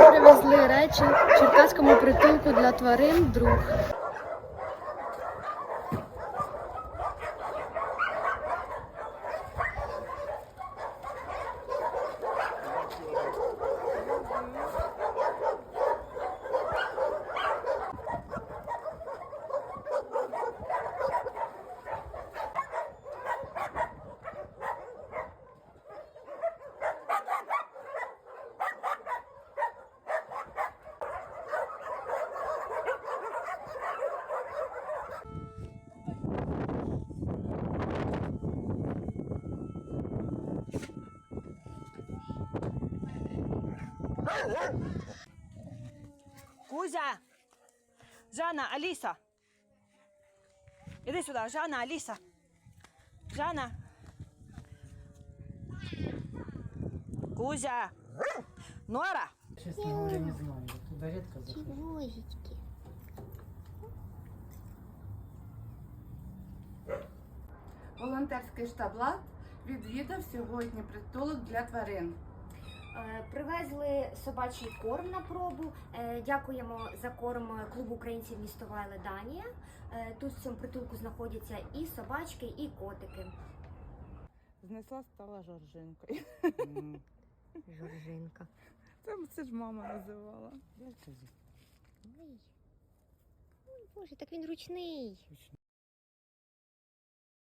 привезли речі в черкаському притулку для тварин «Друг». Кузя! Жанна, Аліса! Іди сюди, Жанна, Аліса! Жанна! Кузя! Нора! Честно говоря, не знаю. Я туда редко захожу. Чевозики. Волонтерський штаб «Лад» відвідав сьогодні притулок для тварин. Привезли собачий корм на пробу. Дякуємо за корм клубу українців місто Вайле, Данія. Тут в цьому притулку знаходяться і собачки, і котики. Знесла, стала Жоржинкою. Жоржинка. Це ж мама називала. Ой, Боже, так він ручний.